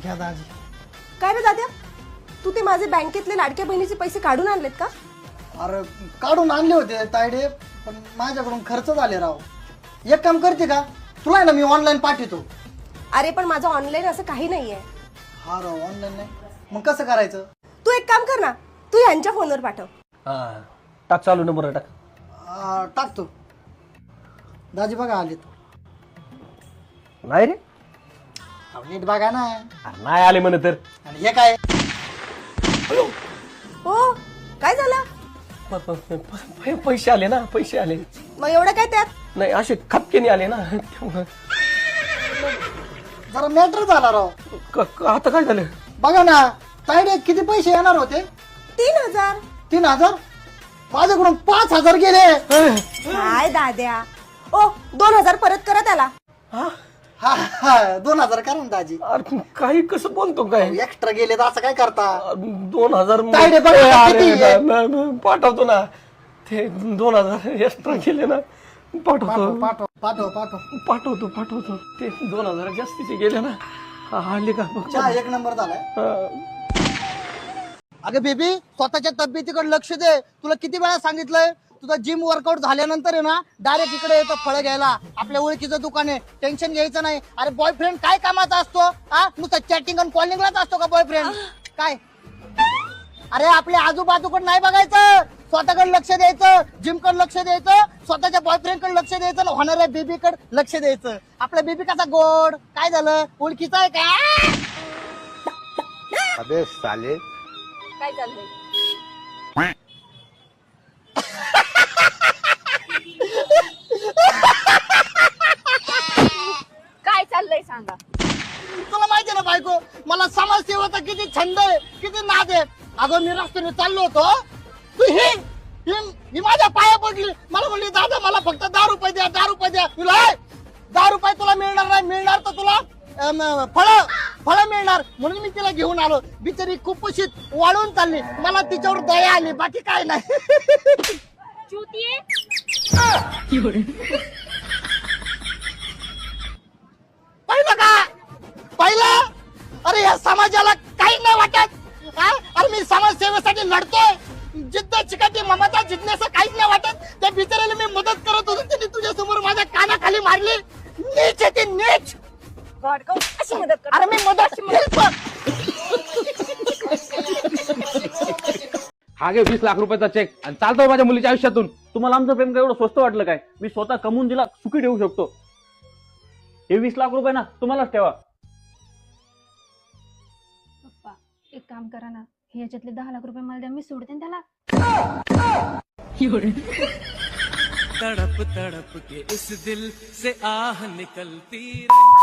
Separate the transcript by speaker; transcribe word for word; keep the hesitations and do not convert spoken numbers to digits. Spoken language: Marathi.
Speaker 1: घ्या दाजी.
Speaker 2: काय रे दाद्या, तू ते माझे बँकेतले लाडक्या बहिणीचे पैसे काढून आणलेत का?
Speaker 1: अरे काढून आणले होते तायडे, पण माझ्याकडून खर्च झाले राव. एक काम करते का, तुला आहे ना मी ऑनलाईन पाठवतो.
Speaker 2: अरे पण माझं ऑनलाईन असं काही नाहीये.
Speaker 1: हा राव ऑनलाईन नाही, मग कसं करायचं?
Speaker 2: तू एक काम कर ना, तू ह्यांच्या फोनवर पाठव.
Speaker 3: हा टाक, चालू नंबर टाक.
Speaker 1: आ, टाकतो. दाजी बघा आलेत.
Speaker 3: नाही रे,
Speaker 1: अहो, नीट बघा ना.
Speaker 3: अरे नाही आले म्हणे तर.
Speaker 1: आणि हे काय?
Speaker 2: हो, काय झालं?
Speaker 3: प- प- प- प- पैसे आले ना, पैसे आले.
Speaker 2: मग एवढं काय त्यात?
Speaker 3: नाही असे खपकेने आले ना त्यामुळं.
Speaker 1: जरा मॅटर झाला राव.
Speaker 3: क- क- आता काय झालं?
Speaker 1: बघा ना तायडे, किती पैसे येणार होते?
Speaker 2: तीन हजार.
Speaker 1: तीन हजार माझ्याकडून पाच हजार गेले.
Speaker 2: काय दाद्या, ओ दोन हजार परत करा त्याला.
Speaker 3: हा?
Speaker 1: हा हा दोन हजार करा ना दाजी.
Speaker 3: अरे काही कसं बोलतो काय?
Speaker 1: एक्स्ट्रा गेले तर असं काय करता?
Speaker 3: दोन हजार
Speaker 1: काय रे बघ,
Speaker 3: अरे,
Speaker 1: किती आहे?
Speaker 3: न- न- पाठवतो ना. ते दोन हजार एक्स्ट्रा केले ना,
Speaker 1: पाठव
Speaker 3: पाठवतो
Speaker 1: पाठव पाठव पाठव.
Speaker 3: पाठवतो पाठवतो ते दोन हजार जास्तीचे गेले ना. हा, आले का बघ.
Speaker 1: चहा एक नंबर झालाय.
Speaker 3: हा.
Speaker 1: अगं बेबी, स्वतःच्या तब्येतीकडे लक्ष दे. तुला किती वेळा सांगितलंय, तुझा जिम वर्कआउट झाल्यानंतर आहे ना डायरेक्ट इकडे येतो फळं घ्यायला. आपल्या ओळखीचं दुकान आहे, टेन्शन घ्यायचं नाही. अरे बॉयफ्रेंड काय कामाचा असतो? हा नुसतं चॅटिंग आणि कॉलिंगलाच असतो का बॉयफ्रेंड? काय अरे आपल्या आजूबाजूकडे नाही बघायचं, स्वतःकडे लक्ष द्यायचं, जिमकडे लक्ष द्यायचं, स्वतःच्या बॉयफ्रेंडकडे लक्ष द्यायचं, होणाऱ्या बेबीकडे लक्ष द्यायचं. आपला बेबी कसा गोड, काय झालं, ओळखीचा आहे का?
Speaker 4: अबे साले,
Speaker 2: काय चाललंय? काय चाललंय सांगा.
Speaker 1: तुला माहितीये ना बायको, मला समाजसेवेचा किती छंद आहे, किती नाद आहे. अगं मी रस्त्याने चाललो होतो, तू ही ही- ही माझ्या पाया पडली. मला म्हणली दादा मला फक्त दहा रुपये द्या, दहा रुपये द्या. तुला "ए, दहा रुपये तुला मिळणार नाही, मिळणार तर तुला फळ फळ मिळणार. म्हणून मी तिला घेऊन आलो. बिचारी कुपोषित वाळून चालली, मला तिच्यावर दया आली, बाकी काय नाही. पाहिलं का, पाहिलं? अरे या समाजाला काही नाही वाटत. हा? अरे मी समाजसेवेसाठी लढतोय, जिद्द चिकाटी ममता जिज्ञासा काहीच नाही वाटत. त्या बिचाऱ्याला मी मदत करत होतो, त्यांनी तुझ्या समोर माझ्या कानाखाली मारली. नीच आहे ती, नीच.
Speaker 2: अशी मदत कर.
Speaker 1: अरे मी मदत help.
Speaker 5: हा घे वीस लाख रुपयाचा चेक आणि चालतो माझ्या मुलीच्या आयुष्यातून. तुम्हाला आमचं प्रेम काय एवढं स्वस्त वाटलं काय? मी स्वतः कमवून दिला, सुखी ठेवू शकतो. हे वीस लाख रुपये ना तुम्हालाच ठेवा.
Speaker 6: पप्पा एक काम करा ना, हे याच्यातले दहा लाख रुपये मला द्या, मी सोडते ना त्याला.
Speaker 7: तड़प तड़प के इस दिल से आह निकलती रही.